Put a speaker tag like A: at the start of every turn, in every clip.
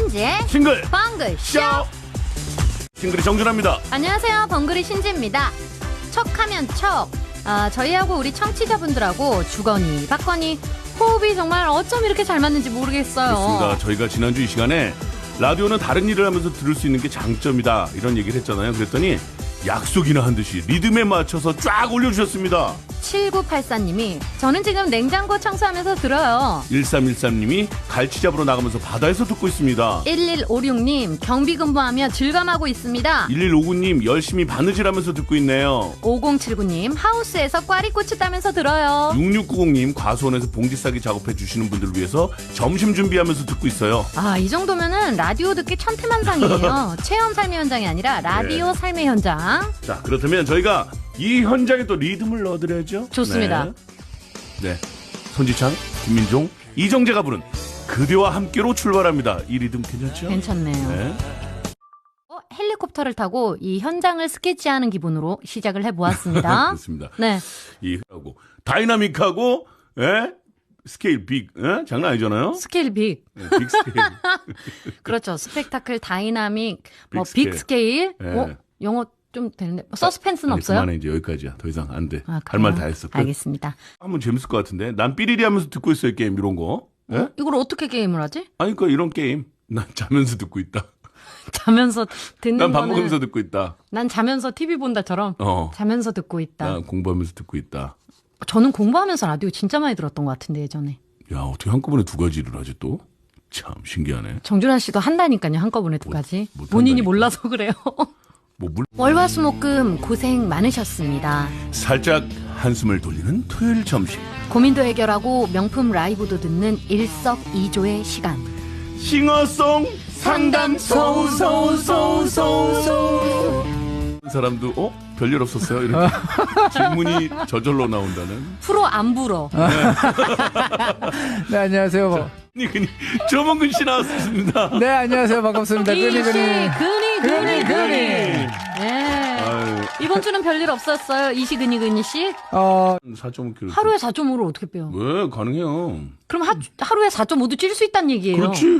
A: 신지의
B: 싱글
A: 벙글쇼.
B: 싱글이 정준합니다.
A: 안녕하세요, 벙글이 신지입니다. 척하면 척. 저희하고 우리 청취자분들하고 주거니 받거니 호흡이 정말 어쩜 이렇게 잘 맞는지 모르겠어요.
B: 그렇습니다. 저희가 지난주 이 시간에 라디오는 다른 일을 하면서 들을 수 있는 게 장점이다 이런 얘기를 했잖아요. 그랬더니 약속이나 한 듯이 리듬에 맞춰서 쫙 올려주셨습니다.
A: 7984님이 저는 지금 냉장고 청소하면서 들어요.
B: 1313님이 갈치 잡으러 나가면서 바다에서 듣고 있습니다.
A: 1156님 경비 근무하며 즐감하고 있습니다.
B: 1159님 열심히 바느질하면서 듣고 있네요.
A: 5079님 하우스에서 꽈리고추 따면서 들어요.
B: 6690님 과수원에서 봉지 싸기 작업해 주시는 분들을 위해서 점심 준비하면서 듣고 있어요.
A: 이 정도면은 라디오 듣기 천태만상이에요. 체험 삶의 현장이 아니라 라디오 삶의 현장.
B: 자, 그렇다면 저희가 이 현장에 또 리듬을 넣어드려야죠.
A: 좋습니다.
B: 네. 손지창, 김민종, 이정재가 부른 그대와 함께로 출발합니다. 이 리듬 괜찮죠?
A: 괜찮네요.
B: 네.
A: 헬리콥터를 타고 이 현장을 스케치하는 기분으로 시작을 해보았습니다.
B: 그렇습니다.
A: 네.
B: 이 하고 다이나믹하고 스케일 빅, 장난 아니잖아요.
A: 스케일 빅.
B: 네, 빅 스케일.
A: 그렇죠. 스펙타클, 다이나믹,
B: 빅
A: 빅 스케일.
B: 네.
A: 영어 좀 되는데 서스펜스는
B: 아니,
A: 없어요?
B: 그만해 이제 여기까지야. 더 이상 안 돼. 할
A: 그래요?
B: 말 다 했어.
A: 알겠습니다.
B: 한번 재밌을 것 같은데. 난 삐리리 하면서 듣고 있어요 게임 이런 거. 예?
A: 이걸 어떻게 게임을 하지?
B: 아니 그러니까 이런 게임. 난 자면서 듣고 있다.
A: 자면서 듣는
B: 난 밥
A: 거는
B: 먹으면서 듣고 있다.
A: 난 자면서 TV 본다처럼 자면서 듣고 있다.
B: 난 공부하면서 듣고 있다.
A: 저는 공부하면서 라디오 진짜 많이 들었던 것 같은데 예전에.
B: 야, 어떻게 한꺼번에 두 가지를 하지 또? 참 신기하네.
A: 정준하 씨도 한다니까요. 한꺼번에 두 가지.
B: 못
A: 본인이
B: 한다니까.
A: 몰라서 그래요. 월화수목금 고생 많으셨습니다.
B: 살짝 한숨을 돌리는 토요일 점심.
A: 고민도 해결하고 명품 라이브도 듣는 일석이조의 시간.
B: 싱어송 상담소 사람도 별일 없었어요. 이렇게 질문이 저절로 나온다는.
A: 프로 안 불어.
C: 네, 안녕하세요.
B: 그니 조mon근 씨 나왔습니다.
C: 네, 안녕하세요. 반갑습니다.
A: 이씨 근이.
C: 그니.
A: 네.
B: 아유.
A: 이번 주는 별일 없었어요. 이시 근이 씨.
B: 4.5kg.
A: 하루에 4.5를 어떻게 빼요?
B: 왜 가능해요?
A: 그럼 하루에 4.5도 찔 수 있다는 얘기예요.
B: 그렇지.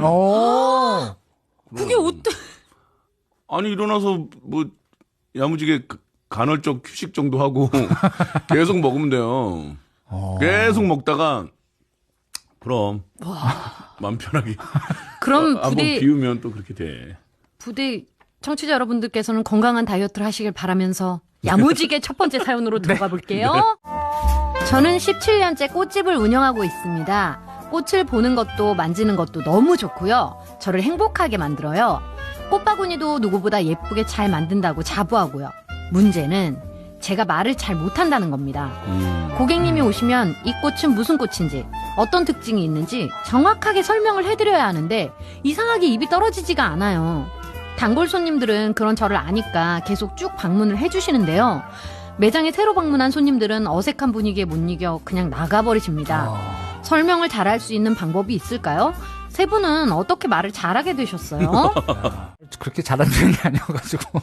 A: 그게 어때?
B: 아니 일어나서 뭐 야무지게 간헐적 휴식 정도 하고 계속 먹으면 돼요. 계속 먹다가 그럼 마음 편하게.
A: 그럼
B: 한번 비우면 또 그렇게 돼.
A: 부대 청취자 여러분들께서는 건강한 다이어트를 하시길 바라면서 야무지게 첫 번째 사연으로 들어가 볼게요. 저는 17년째 꽃집을 운영하고 있습니다. 꽃을 보는 것도 만지는 것도 너무 좋고요. 저를 행복하게 만들어요. 꽃바구니도 누구보다 예쁘게 잘 만든다고 자부하고요. 문제는 제가 말을 잘 못한다는 겁니다. 고객님이 오시면 이 꽃은 무슨 꽃인지 어떤 특징이 있는지 정확하게 설명을 해드려야 하는데 이상하게 입이 떨어지지가 않아요. 단골 손님들은 그런 저를 아니까 계속 쭉 방문을 해주시는데요. 매장에 새로 방문한 손님들은 어색한 분위기에 못 이겨 그냥 나가버리십니다. 설명을 잘할 수 있는 방법이 있을까요? 세 분은 어떻게 말을 잘하게 되셨어요?
C: 그렇게 잘하는 편이 아니어가지고.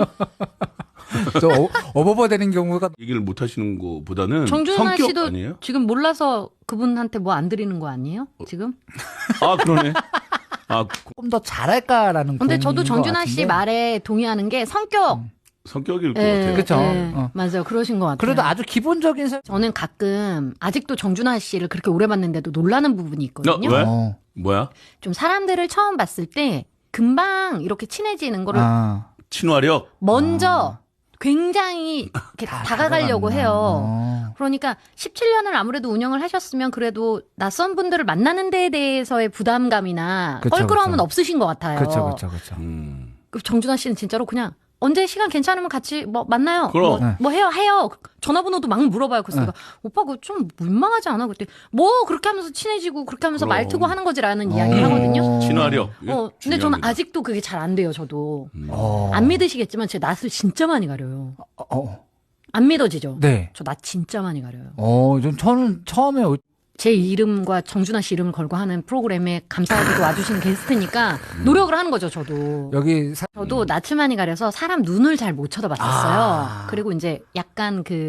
C: 저 어버버 되는 경우가.
B: 얘기를 못 하시는 것보다는
A: 정준하
B: 성격
A: 씨도
B: 아니에요?
A: 지금 몰라서 그분한테 뭐 안 드리는 거 아니에요? 지금?
B: 그러네.
C: 조금 더 잘할까라는.
A: 근데 저도
C: 고민인
A: 정준하
C: 것
A: 씨
C: 같은데.
A: 말에 동의하는 게
B: 성격일 것 같아요.
C: 그쵸.
A: 맞아요. 그러신 것 같아요.
C: 그래도 아주 기본적인
A: 저는 가끔 아직도 정준하 씨를 그렇게 오래 봤는데도 놀라는 부분이 있거든요.
B: 왜? 뭐야?
A: 좀 사람들을 처음 봤을 때 금방 이렇게 친해지는 거를
B: 친화력?
A: 먼저 굉장히 이렇게 다가가려고 해요. 그러니까 17년을 아무래도 운영을 하셨으면 그래도 낯선 분들을 만나는 데에 대해서의 부담감이나
C: 그쵸,
A: 껄끄러움은
C: 그쵸.
A: 없으신 것 같아요.
C: 그렇죠.
A: 정준하 씨는 진짜로 그냥 언제 시간 괜찮으면 같이 뭐 만나요.
B: 그럼.
A: 뭐 해요. 전화번호도 막 물어봐요. 그래서 내가 오빠 그거 좀 민망하지 않아? 그때 뭐 그렇게 하면서 친해지고 그렇게 하면서
B: 그럼.
A: 말 트고 하는 거지라는 이야기를 하거든요.
B: 친화력.
A: 근데 저는
B: 중요합니다.
A: 아직도 그게 잘 안 돼요. 저도 안 믿으시겠지만 제 낯을 진짜 많이 가려요. 안 믿어지죠?
C: 네.
A: 저 낯 진짜 많이 가려요.
C: 저는 처음에
A: 제 이름과 정준하 씨 이름을 걸고 하는 프로그램에 감사하게도 와주신 게스트니까 노력을 하는 거죠, 저도.
C: 여기
A: 저도 낯을 많이 가려서 사람 눈을 잘 못 쳐다봤었어요. 그리고 이제 약간 그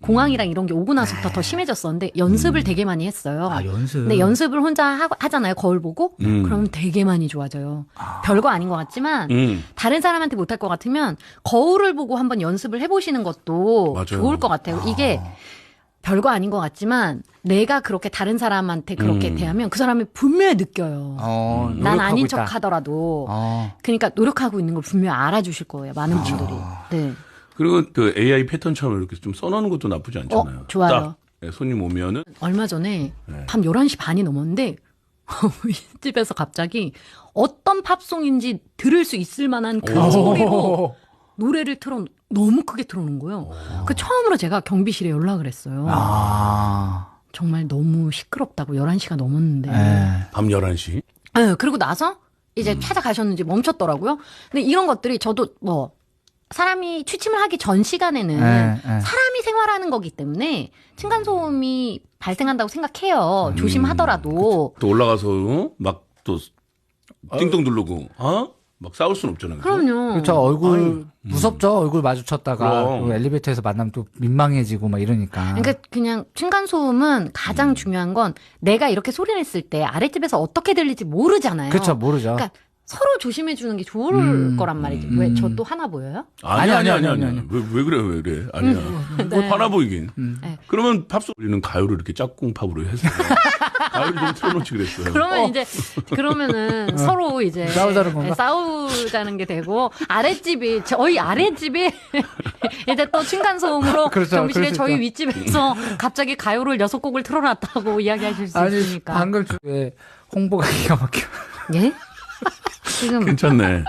A: 공황이랑 이런 게 오고 나서부터 더 심해졌었는데 연습을 되게 많이 했어요.
C: 아, 연습.
A: 근데 연습을 혼자 하잖아요. 거울 보고. 그럼 되게 많이 좋아져요. 별거 아닌 것 같지만 다른 사람한테 못할 것 같으면 거울을 보고 한번 연습을 해보시는 것도
B: 맞아요.
A: 좋을 것 같아요. 이게 별거 아닌 것 같지만 내가 그렇게 다른 사람한테 그렇게 대하면 그 사람이 분명히 느껴요. 난
C: 노력하고
A: 아닌
C: 있다.
A: 척 하더라도.
C: 어.
A: 그러니까 노력하고 있는 걸 분명히 알아주실 거예요. 많은 분들이. 네.
B: 그리고 그 AI 패턴처럼 이렇게 좀 써놓는 것도 나쁘지 않잖아요.
A: 좋아요.
B: 딱 손님 오면은
A: 얼마 전에
B: 네.
A: 밤 11시 반이 넘었는데 집에서 갑자기 어떤 팝송인지 들을 수 있을 만한 그 소리로 노래를 너무 크게 틀어놓은 거예요. 그 처음으로 제가 경비실에 연락을 했어요. 정말 너무 시끄럽다고 11시가 넘었는데.
B: 밤 11시.
A: 네, 그리고 나서 이제 찾아가셨는지 멈췄더라고요. 근데 이런 것들이 저도 뭐 사람이 취침을 하기 전 시간에는 사람이 생활하는 거기 때문에 층간소음이 발생한다고 생각해요. 조심하더라도.
B: 또 올라가서 막 또 띵동 누르고 막 싸울 순 없잖아요. 그죠?
A: 그럼요.
C: 그렇죠. 얼굴 무섭죠. 얼굴 마주쳤다가
B: 그럼.
C: 또 엘리베이터에서 만나면 또 민망해지고 막 이러니까.
A: 그러니까 그냥 층간소음은 가장 중요한 건 내가 이렇게 소리 냈을 때 아랫집에서 어떻게 들릴지 모르잖아요.
C: 그렇죠. 모르죠.
A: 그러니까 서로 조심해 주는 게 좋을 거란 말이죠. 왜 저 또 하나 보여요?
B: 아니야.
C: 아니.
B: 왜 그래, 왜 그래? 아니야. 뭐 화나 보이긴.
A: 네.
B: 그러면 팝송 우리는 가요를 이렇게 짝꿍팝으로 해서 가요를 좀 틀어놓지 그랬어요.
A: 그러면 이제 그러면은 서로 이제
C: 싸우자는 건가?
A: 네, 싸우자는 게 되고 아랫집이 저희 아랫집이 이제 또 층간소음으로
C: 그렇죠.
A: 경비실에
C: 그럴 수
A: 저희
C: 있죠.
A: 윗집에서 갑자기 가요를 6곡을 틀어놨다고 이야기하실 수
C: 아니
A: 있으니까.
C: 방금 중에 홍보가 기가 막혀.
A: 예? 지금
B: 괜찮네.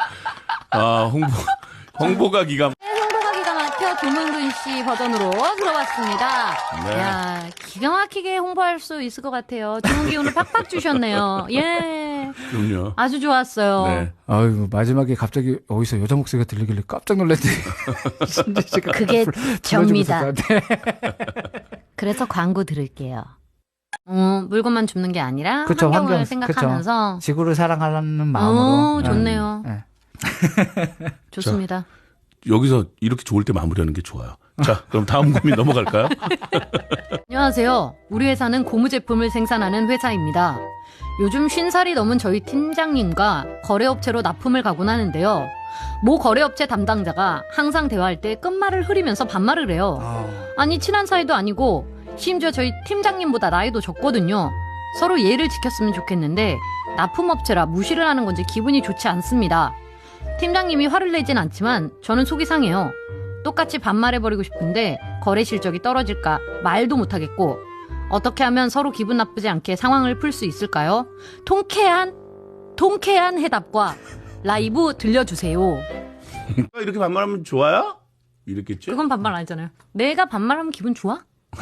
B: 홍보가 기가
A: 홍보가 기가 막혀 조명근 씨 버전으로 들어봤습니다.
B: 네.
A: 야, 기가 막히게 홍보할 수 있을 것 같아요. 좋은 기운을 팍팍 주셨네요. 예.
B: 그럼요.
A: 아주 좋았어요.
B: 네.
C: 아이고 마지막에 갑자기 어디서 여자 목소리가 들리길래 깜짝 놀랐지.
A: 그게 접니다.
C: 네.
A: 그래서 광고 들을게요. 물건만 줍는 게 아니라
C: 그쵸,
A: 환경을
C: 환경,
A: 생각하면서
C: 지구를 사랑하는 마음으로.
A: 좋네요.
C: 네.
A: 좋습니다.
B: 여기서 이렇게 좋을 때 마무리하는 게 좋아요. 자, 그럼 다음 고민 넘어갈까요?
A: 안녕하세요. 우리 회사는 고무 제품을 생산하는 회사입니다. 요즘 50살이 넘은 저희 팀장님과 거래업체로 납품을 가곤 하는데요. 모 거래업체 담당자가 항상 대화할 때 끝말을 흐리면서 반말을 해요. 아니 친한 사이도 아니고 심지어 저희 팀장님보다 나이도 적거든요. 서로 예의를 지켰으면 좋겠는데 납품업체라 무시를 하는 건지 기분이 좋지 않습니다. 팀장님이 화를 내진 않지만 저는 속이 상해요. 똑같이 반말해버리고 싶은데 거래 실적이 떨어질까 말도 못하겠고 어떻게 하면 서로 기분 나쁘지 않게 상황을 풀 수 있을까요? 통쾌한 해답과 라이브 들려주세요.
B: 이렇게 반말하면 좋아요? 이랬겠지?
A: 그건 반말 아니잖아요. 내가 반말하면 기분 좋아?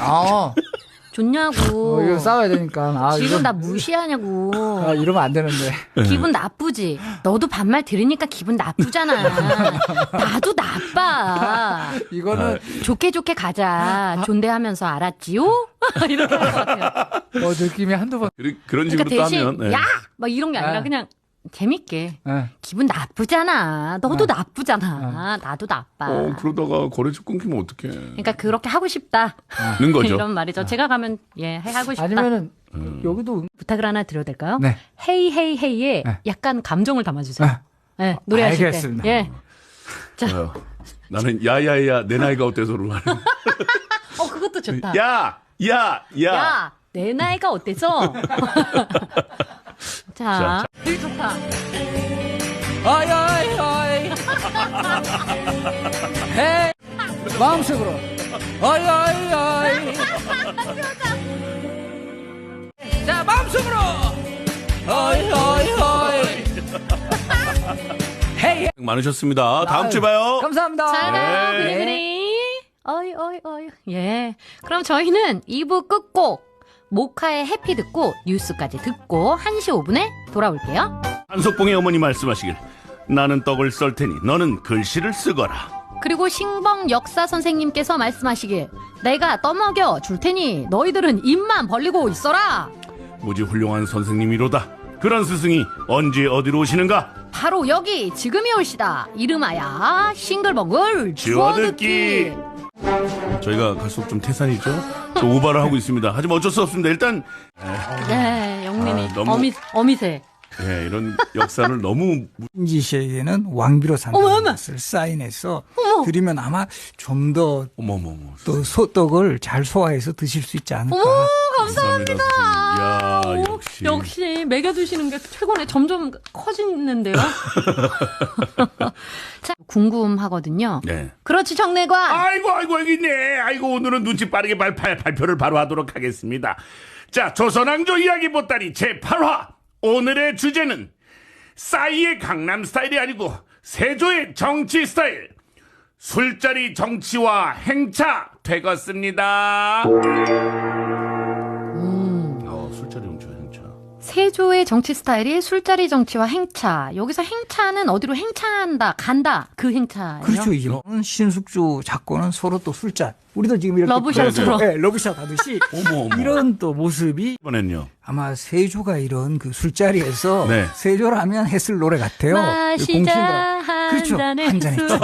A: 좋냐고.
C: 이거 싸워야 되니까.
A: 지금 나 무시하냐고.
C: 이러면 안 되는데.
A: 기분 나쁘지? 너도 반말 들으니까 기분 나쁘잖아. 나도 나빠.
C: 이거는
A: 좋게 가자. 존대하면서 알았지요? 이렇게 할 것 같아요.
C: 느낌이 한두 번.
B: 그런
A: 그러니까
B: 식으로
A: 대신
B: 하면. 네.
A: 야! 막 이런 게 아니라
C: 네.
A: 그냥 재밌게.
C: 네.
A: 기분 나쁘잖아. 너도 나쁘잖아. 나도 나빠.
B: 그러다가 거래처 끊기면 어떡해.
A: 그러니까 그렇게 하고 싶다.
B: 는 거죠.
A: 이런 말이죠. 제가 가면 하고 싶다.
C: 아니면은 여기도
A: 부탁을 하나 드려도 될까요?
C: 네.
A: 헤이에
C: 네.
A: 약간 감정을 담아주세요. 네, 노래하실
C: 알겠습니다.
A: 때. 예.
B: 좋아요. 나는 야야야 내 나이가 어때서로 하는.
A: 그것도 좋다.
B: 야.
A: 야, 내 나이가 어때서? 자, 좋다.
C: 어이. 헤이. 마음속으로. 어이. 자, 마음속으로. 어이. 헤이.
B: 많으셨습니다. 다음 주에 봐요.
C: 감사합니다.
A: 잘 가요,
B: 네.
A: 그리. 어이. 예. 그럼 저희는 2부 끝곡 모카의 해피 듣고 뉴스까지 듣고 1시 5분에 돌아올게요.
B: 한석봉의 어머니 말씀하시길 나는 떡을 썰 테니 너는 글씨를 쓰거라.
A: 그리고 신봉 역사 선생님께서 말씀하시길 내가 떠먹여 줄 테니 너희들은 입만 벌리고 있어라.
B: 무지 훌륭한 선생님이로다. 그런 스승이 언제 어디로 오시는가?
A: 바로 여기 지금이 올시다. 이름하야 싱글벙글
B: 주워듣기.
A: 주워듣기.
B: 저희가 갈수록 좀 태산이죠. 좀 오바를 하고 있습니다. 하지만 어쩔 수 없습니다. 일단
A: 네, 영민이
B: 너무-
A: 어미새.
B: 예, 이런 역사를 너무
D: 신지 씨에게는 왕비로
A: 어머, 어머.
D: 산다는 것을 사인해서 드리면 아마 좀 더 또
B: 어머머머.
D: 소떡을 잘 소화해서 드실 수 있지 않을까.
A: 어머,
B: 감사합니다. 야,
A: 오,
B: 역시.
A: 역시 먹여주시는 게 최고네. 점점 커지는데요. 자, 궁금하거든요.
B: 네.
A: 그렇지, 정내관.
B: 아이고 여기 있네. 아이고 오늘은 눈치 빠르게 발표를 바로 하도록 하겠습니다. 자, 조선왕조 이야기 보따리 제8화. 오늘의 주제는 싸이의 강남 스타일이 아니고 세조의 정치 스타일. 술자리 정치와 행차 되겠습니다. 술자리 정치와 행차.
A: 세조의 정치 스타일이 술자리 정치와 행차. 여기서 행차는 어디로 행차한다, 간다. 그 행차예요.
D: 그렇죠. 이런 신숙주 작고는 서로 또 술잔. 우리도 지금 이렇게
A: 러브샷으로.
D: 네, 러브샷 하듯이
B: 어머.
D: 이런 또 모습이
B: 이번엔요.
D: 아마 세조가 이런 그 술자리에서
B: 네.
D: 세조라면 했을 노래 같아요.
A: 마시자
D: 그렇죠.
A: 한
D: 한
A: 잔의
D: 잔의
A: 술.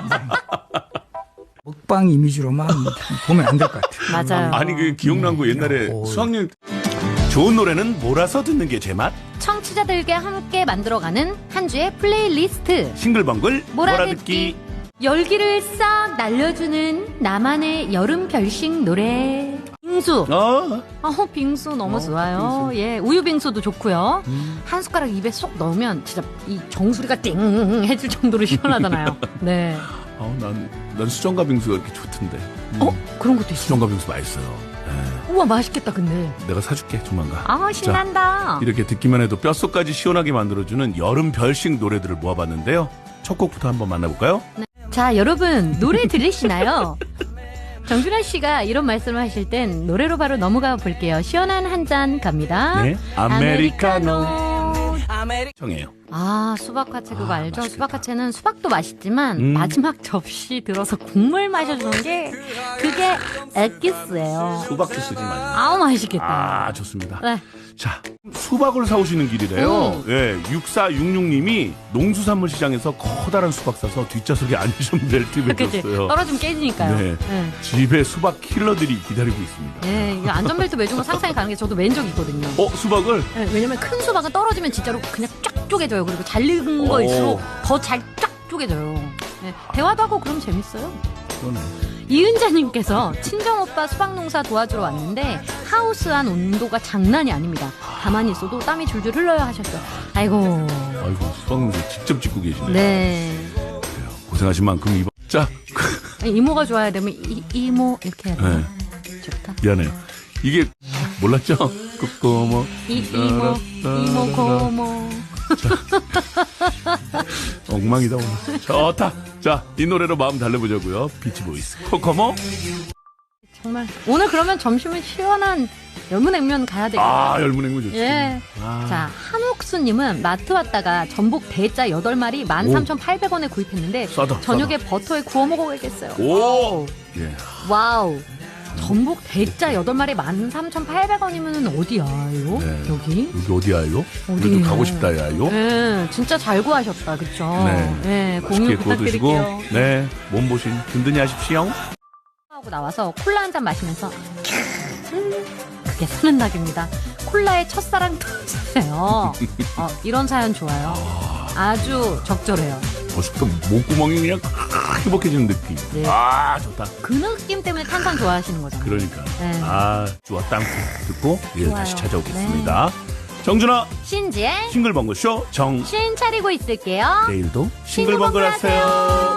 D: 먹방 이미지로만 보면 안 될 것 같아요.
A: 맞아요.
B: 아니 그 기억난 거 옛날에
D: 오.
B: 수학여행 좋은 노래는 몰아서 듣는 게 제 맛.
A: 청취자들과 함께 만들어가는 한 주의 플레이리스트.
B: 싱글벙글
A: 몰아듣기. 열기를 싹 날려주는 나만의 여름 별식 노래. 빙수. 빙수 너무 좋아요.
B: 빙수.
A: 예, 우유 빙수도 좋고요. 한 숟가락 입에 쏙 넣으면 진짜 이 정수리가 띵 해질 정도로 시원하잖아요. 네.
B: 난 수정과 빙수가 이렇게 좋던데.
A: 그런 것도 있어.
B: 수정과 빙수 맛있어요. 예.
A: 우와, 맛있겠다, 근데.
B: 내가 사줄게 조만간.
A: 아, 신난다.
B: 이렇게 듣기만 해도 뼛속까지 시원하게 만들어주는 여름 별식 노래들을 모아봤는데요. 첫 곡부터 한번 만나볼까요?
A: 자, 여러분, 노래 들으시나요? 정준하 씨가 이런 말씀을 하실 땐 노래로 바로 넘어가 볼게요. 시원한 한 잔 갑니다.
B: 네, 아메리카노. 청해요.
A: 아, 수박화채 그거 알죠?
B: 맛있겠다.
A: 수박화채는 수박도 맛있지만 마지막 접시 들어서 국물 마셔주는 게 그게 엑기스예요.
B: 수박 주스지 많이.
A: 아우, 맛있겠다.
B: 좋습니다.
A: 네.
B: 자, 수박을 사오시는 길이래요. 예, 6466님이 농수산물 시장에서 커다란 수박 사서 뒷좌석에 앉으시면 될 팁을
A: 그치?
B: 줬어요.
A: 떨어지면 깨지니까요.
B: 네.
A: 네.
B: 집에 수박 킬러들이 기다리고 있습니다.
A: 네, 이거 안전벨트 매주고 상상이 가는 게 저도 맨 적 있거든요.
B: 수박을?
A: 네, 왜냐면 큰 수박은 떨어지면 진짜로 그냥 쫙 쪼개져요. 그리고 잘 익은
B: 오.
A: 거일수록 더 잘 쫙 쪼개져요. 네, 대화도 하고 그럼 재밌어요.
B: 그러네.
A: 이은자님께서 친정오빠 수박농사 도와주러 왔는데 하우스 안 온도가 장난이 아닙니다. 가만히 있어도 땀이 줄줄 흘러요 하셨어요. 아이고.
B: 아이고, 수박 농사 직접 짓고 계시네요.
A: 네.
B: 고생하신 만큼 이번. 자,
A: 이모가 좋아야 되면 이모 이렇게 해야 돼요. 좋다.
B: 미안해요. 이게 몰랐죠? 꼬꼬모.
A: 이모 고모.
B: 엉망이다 오늘. 좋다. 자, 이 노래로 마음 달래보자고요. 비치보이스 코코모.
A: 정말 오늘 그러면 점심은 시원한 열무냉면 가야 되겠다.
B: 열무냉면 좋지.
A: 예. 자, 한옥수님은 마트 왔다가 전복 대짜 8마리 13,800원에 구입했는데
B: 싸다,
A: 저녁에 버터에 구워 먹어야겠어요.
B: 오. 예.
A: 와우. 전복 대짜 8마리 13,800원이면 어디야요?
B: 네.
A: 여기?
B: 여기 어디야요?
A: 어디예요?
B: 우리도 가고 싶다야요.
A: 네, 진짜 잘 구하셨다. 그쵸?
B: 네.
A: 공유
B: 맛있게 구워드시고,
A: 부탁드릴게요.
B: 네, 몸보신 든든히 하십시오.
A: 하고 나와서 콜라 한 잔 마시면서 그게 사는 낙입니다. 콜라에 첫사랑 터지세요. 이런 사연 좋아요. 아주 적절해요.
B: 벌써부터 목구멍이 그냥 행복해지는 느낌.
A: 네.
B: 좋다.
A: 그 느낌 때문에 탄산 좋아하시는 거잖아요.
B: 그러니까.
A: 네.
B: 좋아. 땅콩 듣고, 예,
A: 좋아요.
B: 다시 찾아오겠습니다. 정준아,
A: 신지의
B: 싱글벙글 쇼 정.
A: 신 차리고 있을게요.
B: 내일도 싱글벙글 하세요.